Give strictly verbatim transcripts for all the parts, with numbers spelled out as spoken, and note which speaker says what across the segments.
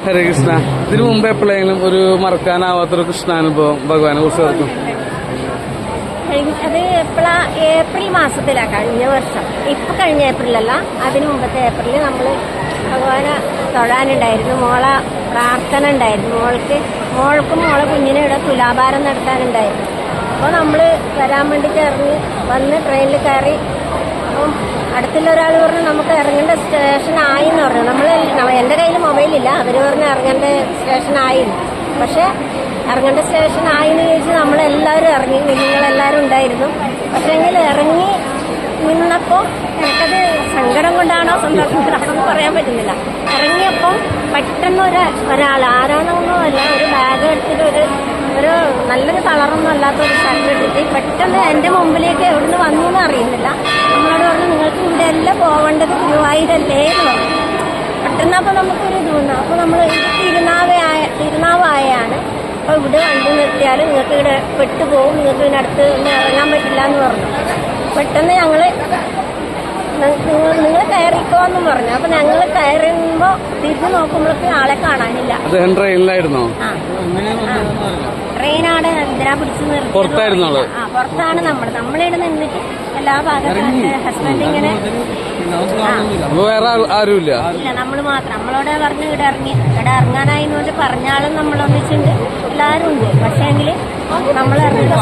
Speaker 1: ഹരേ കൃഷ്ണ. ഇതിനു മുമ്പ് എപ്പോഴെങ്കിലും ഒരു മറക്കാനാവാത്തൊരു കൃഷ്ണാനുഭവം ഭഗവാനെ കുറിച്ച് ഓർക്കും?
Speaker 2: അത് എപ്പോഴാ ഏപ്രിൽ മാസത്തിലാണ് കഴിഞ്ഞ വർഷം. ഇപ്പം കഴിഞ്ഞ ഏപ്രിലല്ല, അതിന് മുമ്പത്തെ ഏപ്രിലിൽ നമ്മൾ ഭഗവാനെ തൊഴാനുണ്ടായിരുന്നു. മോളെ പ്രാർത്ഥന ഉണ്ടായിരുന്നു. മോൾക്ക് മോൾക്കും മോളെ കുഞ്ഞിനെ ഇവിടെ തുലാഭാരം നടത്താനുണ്ടായിരുന്നു. അപ്പോൾ നമ്മൾ വരാൻ വേണ്ടിയിട്ട് ഇറങ്ങി വന്ന് ട്രെയിനിൽ കയറി. അപ്പം അടുത്തുള്ള ഒരാൾ പറഞ്ഞു നമുക്ക് ഇറങ്ങേണ്ട സ്റ്റേഷനായി എന്ന് പറഞ്ഞു. നമ്മൾ എൻ്റെ കയ്യിൽ മൊബൈലില്ല, അവർ പറഞ്ഞ് ഇറങ്ങേണ്ട സ്റ്റേഷനായിരുന്നു. പക്ഷേ ഇറങ്ങേണ്ട സ്റ്റേഷനായി എന്ന് ചോദിച്ച് നമ്മളെല്ലാവരും ഇറങ്ങി, കുഞ്ഞുങ്ങളെല്ലാവരും ഉണ്ടായിരുന്നു. പക്ഷേ എങ്കിൽ ഇറങ്ങി നിന്നപ്പോൾ എനിക്കത് സങ്കടം കൊണ്ടാണോ സന്തോഷം കൊണ്ടാണോ പറയാൻ പറ്റുന്നില്ല. ഇറങ്ങിയപ്പോൾ പെട്ടെന്ന് ഒരു ഒരാൾ ആരാണോന്നോ അല്ല, ഒരു ബാഗ് എടുത്തിട്ട് ഒരു ഒരു നല്ലൊരു കളറൊന്നും അല്ലാത്ത ഒരു ഷർട്ട് എടുത്തിട്ട് പെട്ടെന്ന് എൻ്റെ മുമ്പിലേക്ക് എവിടുന്ന് വന്നു എന്ന് അറിയുന്നില്ല. നമ്മളോട് പറഞ്ഞു നിങ്ങൾക്ക് ഇവിടെ അല്ല പോവേണ്ടത്, ഗുരുവായൂരല്ലേ എന്ന് പറഞ്ഞു. പെട്ടെന്ന് അപ്പോൾ നമുക്കൊരു ഇത് വന്നു. അപ്പോൾ നമ്മൾ ഇത് തിരുനാവായ തിരുനാവായാണ് അപ്പോൾ ഇവിടെ വണ്ടി നിർത്തിയാൽ നിങ്ങൾക്ക് ഇവിടെ പെട്ടുപോകും, നിങ്ങൾക്ക് ഇതിൻ്റെ അടുത്ത് ഒന്നും ഇറങ്ങാൻ പറ്റില്ല എന്ന് പറഞ്ഞു. പെട്ടെന്ന് ഞങ്ങൾ നിങ്ങൾ കയറിക്കോ എന്നും പറഞ്ഞു. അപ്പൊ ഞങ്ങൾ കയറുമ്പോ തിരിഞ്ഞു നോക്കുമ്പോഴേക്കും ആളെ കാണാനില്ല.
Speaker 1: ട്രെയിനിലായിരുന്നോ?
Speaker 2: ആ ട്രെയിനാണ് എന്തിനാ പിടിച്ചു നിർത്തി. ആ പുറത്താണ് നമ്മൾ നമ്മളിവിടെ നിന്നിട്ട് എല്ലാ ഭാഗത്തും ഹസ്ബൻഡ് ഇങ്ങനെ
Speaker 1: വേറെ ആരുമില്ല,
Speaker 2: ഇല്ല നമ്മൾ മാത്രം. നമ്മളോട് പറഞ്ഞ് ഇവിടെ ഇറങ്ങി ഇവിടെ ഇറങ്ങാനായിന്ന് പറഞ്ഞാലും നമ്മളൊന്നിച്ചുണ്ട്, എല്ലാവരും ഉണ്ട്. പക്ഷേ എങ്കിൽ നമ്മൾ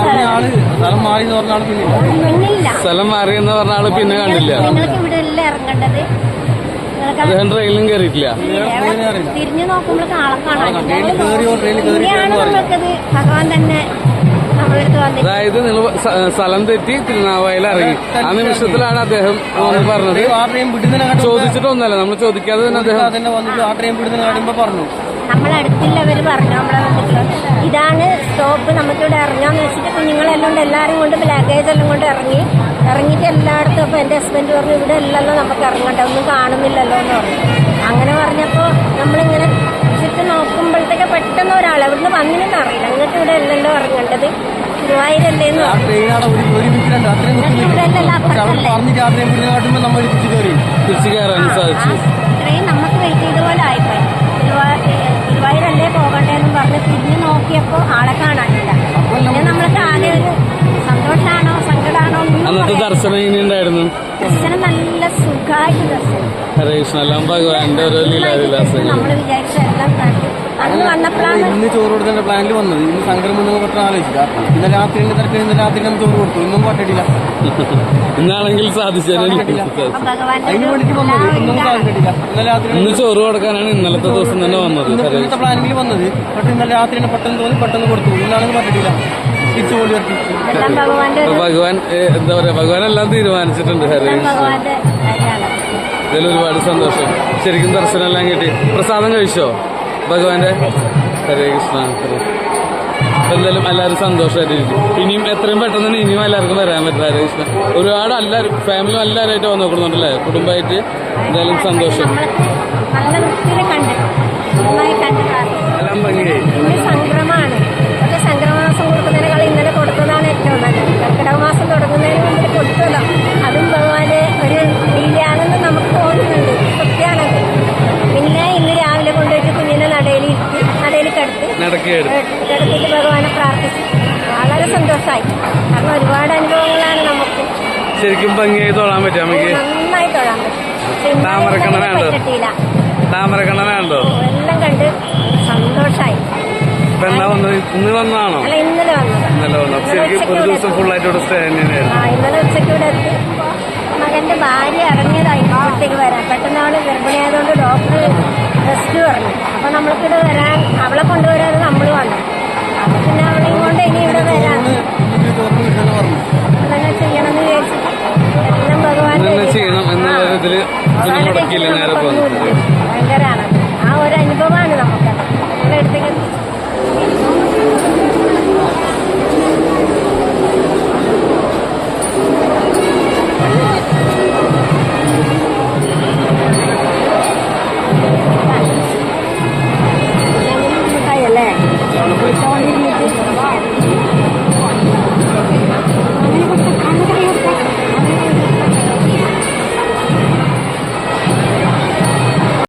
Speaker 2: പിന്നില്ല,
Speaker 1: സ്ഥലം മാറി എന്ന് പറഞ്ഞ ആള് പിന്നെ കണ്ടില്ല.
Speaker 2: നിങ്ങൾക്ക് ഇവിടെ അല്ല ഇറങ്ങേണ്ടത്,
Speaker 1: ട്രെയിനിലും കയറിയിട്ടില്ല.
Speaker 2: തിരിഞ്ഞു നോക്കുമ്പോൾ ആളെ കാണാനില്ല. ഇങ്ങനെയാണ് നമ്മൾക്കത് ഭഗവാൻ തന്നെ നമ്മളെടുത്ത് വന്നത്.
Speaker 1: അതായത് നിങ്ങൾ സ്ഥലം തെറ്റി തിരുനാവായിൽ ഇറങ്ങി ആ നിമിഷത്തിലാണ് അദ്ദേഹം പറഞ്ഞത്. ചോദിച്ചിട്ടൊന്നല്ല, നമ്മൾ ചോദിക്കാതെ തന്നെ അദ്ദേഹം പറഞ്ഞു.
Speaker 2: നമ്മളടുത്തുള്ളവർ പറഞ്ഞു നമ്മളെ വന്നിട്ട് ഇതാണ് സ്റ്റോപ്പ്, നമുക്കിവിടെ ഇറങ്ങാന്ന് വെച്ചിട്ട് കുഞ്ഞുങ്ങളെല്ലാം കൊണ്ട് എല്ലാവരും കൊണ്ട് ലഗേജ് എല്ലാം കൊണ്ട് ഇറങ്ങി ഇറങ്ങിയിട്ട് എല്ലായിടത്തും. അപ്പോൾ എൻ്റെ ഹസ്ബൻഡ് പറഞ്ഞു ഇവിടെ അല്ലല്ലോ നമുക്ക് ഇറങ്ങണ്ട, ഒന്നും കാണുന്നില്ലല്ലോ എന്ന് പറഞ്ഞു. അങ്ങനെ പറഞ്ഞപ്പോൾ നമ്മളിങ്ങനെ ചുറ്റും നോക്കുമ്പോഴത്തേക്ക് പെട്ടെന്ന് ഒരാൾ എവിടുന്ന് വന്നില്ലെന്ന് അറിയില്ല, നിങ്ങൾക്ക് ഇവിടെ അല്ലല്ലോ ഇറങ്ങേണ്ടത്, ഗുരുവായൂരല്ലേ എന്ന് പറഞ്ഞു. ട്രെയിൻ നമുക്ക് വെയിറ്റ് ചെയ്ത പോലെ ആയിപ്പോയി. ഗുരുവായൂരല്ലേ പോകണ്ടേന്നും പറഞ്ഞ് തിരിഞ്ഞു നോക്കിയപ്പോൾ ആളെ കാണാനില്ല. പിന്നെ നമ്മൾക്ക് ആകെ ഒരു സന്തോഷമാണോ സങ്കടമാണോ ഒന്നും.
Speaker 1: ദർശനം എങ്ങനെയുണ്ടായിരുന്നു?
Speaker 2: ദർശനം നല്ല സുഖമായിട്ട് ദർശനം.
Speaker 1: ഹരേ കൃഷ്ണ. എല്ലാം ഭഗവാന്റെ ഓരോ ലീലാവിലാസങ്ങൾ
Speaker 2: നമ്മൾ വിചാരിച്ച എല്ലാം കണ്ടു. അന്ന് വന്നപ്പോഴാണ്
Speaker 3: ഇന്ന് ചോറ് കൊടുക്കുന്ന പ്ലാനിൽ വന്നത്. ഇന്ന് സംക്രമം പെട്ടെന്ന് ആലോചിക്കുക. ഇന്ന് രാത്രിന്റെ തിരക്ക് ഇന്ന് രാത്രി നമ്മൾ ചോറ് കൊടുത്തു, ഇന്നും പറ്റില്ല.
Speaker 1: ഇന്നാണെങ്കിൽ സാധിച്ചു.
Speaker 3: അതിന് വേണ്ടിട്ട് വന്നത് ഇന്നും സാധിച്ചിട്ടില്ല. ഇന്നലെ രാത്രി
Speaker 1: ഇന്ന് ചോറ് കൊടുക്കാനാണ് ഇന്നലത്തെ ദിവസം തന്നെ വന്നത്.
Speaker 3: ഇന്നത്തെ പ്ലാനിൽ വന്നത്. പക്ഷെ ഇന്നലെ രാത്രി തന്നെ പെട്ടെന്ന് തോന്നി പെട്ടെന്ന് കൊടുത്തു. ഇന്നാണെങ്കിൽ പറ്റില്ല, തിരിച്ചു പോയി വരട്ടി.
Speaker 1: ഭഗവാൻ എന്താ പറയാ, ഭഗവാൻ എല്ലാം തീരുമാനിച്ചിട്ടുണ്ട്. ഹരേ കൃഷ്ണ. ഇതിൽ ഒരുപാട് സന്തോഷം. ശരിക്കും ദർശനം എല്ലാം കിട്ടി. പ്രസാദം കഴിച്ചോ ഭഗവാന്റെ? ഹരേ കൃഷ്ണ. എന്തായാലും എല്ലാവരും സന്തോഷമായിട്ടിരിക്കും. ഇനിയും എത്രയും പെട്ടെന്ന് തന്നെ ഇനിയും എല്ലാവർക്കും വരാൻ പറ്റും. ഹരേ കൃഷ്ണ. ഒരുപാട് എല്ലാവരും ഫാമിലി എല്ലാവരുമായിട്ട് വന്ന് നോക്കുന്നുണ്ടല്ലേ, കുടുംബമായിട്ട്. എന്തായാലും സന്തോഷം. എല്ലാം ഭംഗിയായി.
Speaker 2: സംക്രമമാണ്. പക്ഷെ സംക്രമമാസം കൊടുക്കുന്നതിനേക്കാൾ ഇന്നലെ കൊടുത്തതാണ് ഏറ്റവും നല്ലത്. കർക്കിടക മാസം തുടങ്ങുന്നതിന് മുമ്പിൽ കൊടുത്തതോ അതും ഭഗവാന്റെ ഒരു ലീലയാണെന്ന് നമുക്ക് തോന്നുന്നുണ്ട്. സത്യമാണത്. പിന്നെ ഇന്ന് രാവിലെ കൊണ്ടുപോയിട്ട് കുഞ്ഞിനെ നടയിൽ ഇരുത്തി നടയിൽ കിടത്തി കിടത്തിട്ട് ഭഗവാനെ പ്രാർത്ഥിച്ചു. വളരെ സന്തോഷമായി. കാരണം ഒരുപാട് അനുഭവങ്ങളാണ് നമുക്ക്.
Speaker 1: ശരിക്കും ഭംഗിയായി തൊഴാൻ പറ്റും. നമുക്ക്
Speaker 2: നന്നായി തൊഴാൻ പറ്റും.
Speaker 1: താമരക്കണ്ണനാണ്ടോ? താമരക്കണ്ണനാണ്ടോ?
Speaker 2: എല്ലാം കണ്ട് സന്തോഷമായി.
Speaker 1: ഇന്ന് വന്നാണോ?
Speaker 2: അല്ല, ഇന്നലെ വന്നത്.
Speaker 1: ഇന്നലെ വന്നു. ശരിക്കും ഒരു ദിവസം ഫുള്ളായിട്ട് ഇവിടെ സ്റ്റേ തന്നെയായിരുന്നു.
Speaker 2: ഇന്നലെ ഉച്ചയ്ക്ക് ഇവിടെ എത്തി. മകന്റെ ഭാര്യ ഇറങ്ങിയതായി ഇങ്ങോട്ടേക്ക് വരാൻ. പെട്ടെന്ന് അവള് ഗർഭിണിയായതുകൊണ്ട് ഡോക്ടർ റെസ്റ്റ് പറഞ്ഞു. അപ്പൊ നമ്മൾക്കിവിടെ വരാൻ അവളെ കൊണ്ടുവരാൻ